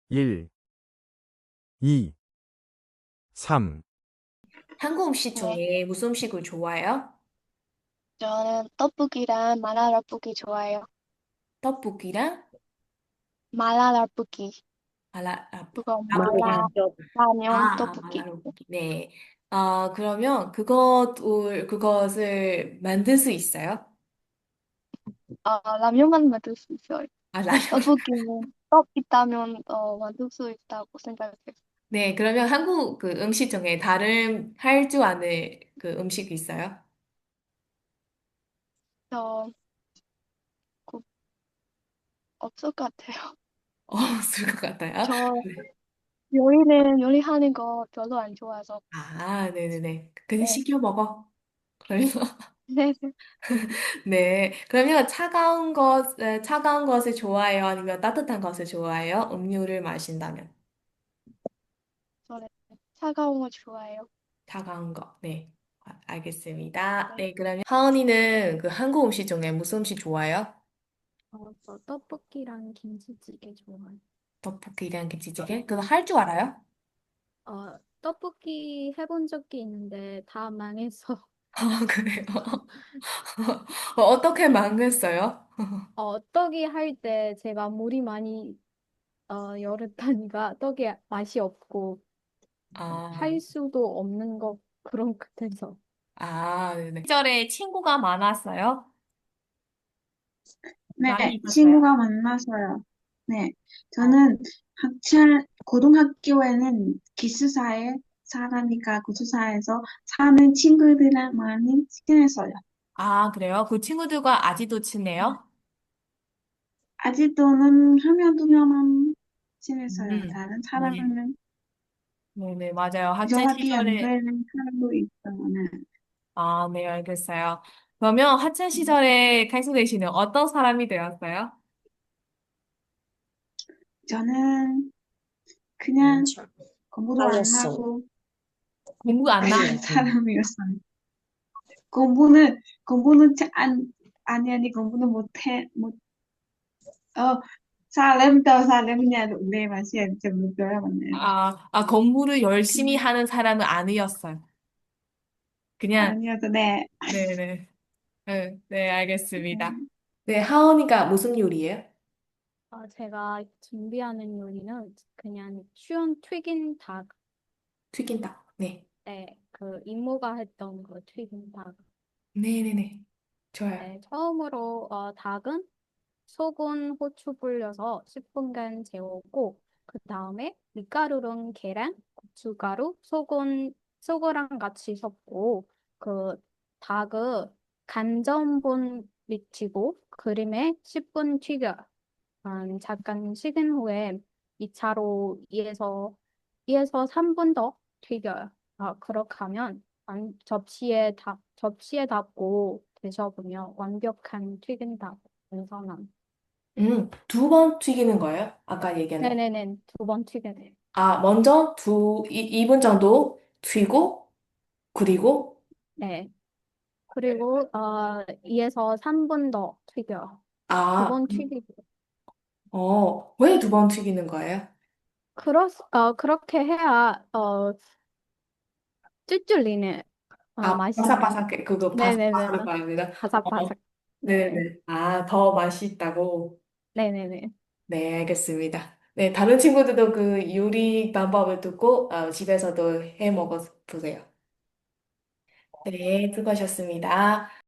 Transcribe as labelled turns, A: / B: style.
A: 1, 2, 3.
B: 한국 음식
C: 네,
B: 중에 무슨 음식을 좋아해요?
C: 저는 떡볶이랑 마라떡볶이 좋아해요.
B: 떡볶이랑
C: 마라떡볶이. 그거
B: 라볶이.
C: 라면 떡볶이.
B: 마라떡볶이. 네. 그러면 그것을 만들 수 있어요?
C: 라면만 만들 수 있어요.
B: 라면.
C: 떡볶이는 떡 있다면 만들 수 있다고 생각해요.
B: 네, 그러면 한국 그 음식 중에 다른 할 줄 아는 그 음식이 있어요?
C: 저 그, 없을 것 같아요.
B: 없을 것 같아요.
C: 저
B: 네.
C: 요리하는 거 별로 안 좋아해서.
B: 네네네. 그냥
C: 네,
B: 시켜 먹어. 그러면,
C: 네, 네.
B: 네. 그러면 차가운 것을 좋아해요? 아니면 따뜻한 것을 좋아해요? 음료를 마신다면.
C: 저는 차가운 거 좋아해요.
B: 차가운 거. 네. 알겠습니다.
C: 네.
B: 네, 그러면 하은이는 그 한국 음식 중에 무슨 음식 좋아해요?
D: 저 떡볶이랑 김치찌개 좋아해요.
B: 떡볶이랑 김치찌개? 그거 할 줄 알아요?
D: 떡볶이 해본 적이 있는데 다 망해서
B: 그래요? 어떻게 망했어요?
D: 떡이 할 때 제가 물이 많이 열었다니까 떡이 맛이 없고
B: 아,
D: 할 수도 없는 것 그런 것 같아서.
B: 네네. 시절에 친구가 많았어요? 많이
E: 네,
B: 있었어요?
E: 친구가 만나서요. 네,
B: 어.
E: 저는 고등학교에는 기숙사에 살아니까 기숙사에서 사는 친구들이랑 많이 친했어요.
B: 그래요? 그 친구들과 아직도 친해요?
E: 아직도는 하면 두 명만 친했어요. 다른
B: 네.
E: 사람은
B: 네네, 맞아요. 학창
E: 연락이 안
B: 시절에,
E: 되는 사람도 있어요. 네.
B: 네, 알겠어요. 그러면 학창 시절에 칼국수 씨는 어떤 사람이 되었어요?
E: 저는 그냥 공부도 안 하고
B: 공부 안
E: 그런
B: 하는
E: 사람이었어요. 공부는 아니, 공부는 어, 살렘nhà đụng đề mà xiên chừng được rồi bạn nè.
B: 공부를 열심히 하는 사람은 아니었어요. 그냥,
E: 아니어도 네.
B: 네네. 네, 네, 알겠습니다. 네, 하은이가 무슨 요리예요?
D: 제가 준비하는 요리는 그냥 쉬운 튀긴 닭,
B: 튀긴 닭. 네.
D: 그 이모가 했던 그 튀긴 닭.
B: 네네네. 좋아요.
D: 네, 처음으로 닭은 소금, 후추 불려서 10분간 재우고 그 다음에 밀가루랑 계란, 고춧가루, 소금랑 같이 섞고 그 닭을 간전분 미치고 그림에 10분 튀겨. 잠깐 식은 후에 2차로 2에서 3분 더 튀겨요. 그렇게 하면 접시에 담고 드셔보면 완벽한 튀긴 닭 완성함.
B: 2번 튀기는 거예요? 아까 얘기한.
D: 네네네, 2번 튀겨야 돼요.
B: 먼저 2분 정도 튀고, 그리고,
D: 네. 그리고 2에서 3분 더 튀겨요. 두
B: 아,
D: 번 튀기고.
B: 왜 2번 튀기는 거예요?
D: 그렇게 해야 쫄쫄리는 맛이 나.
B: 바삭바삭해. 그거
D: 네네네.
B: 바삭바삭 말합니다.
D: 바삭바삭. 네.
B: 네네. 더 맛있다고.
D: 네네네.
B: 네, 알겠습니다. 네, 다른 친구들도 그 요리 방법을 듣고 집에서도 해 먹어 보세요. 네, 수고하셨습니다.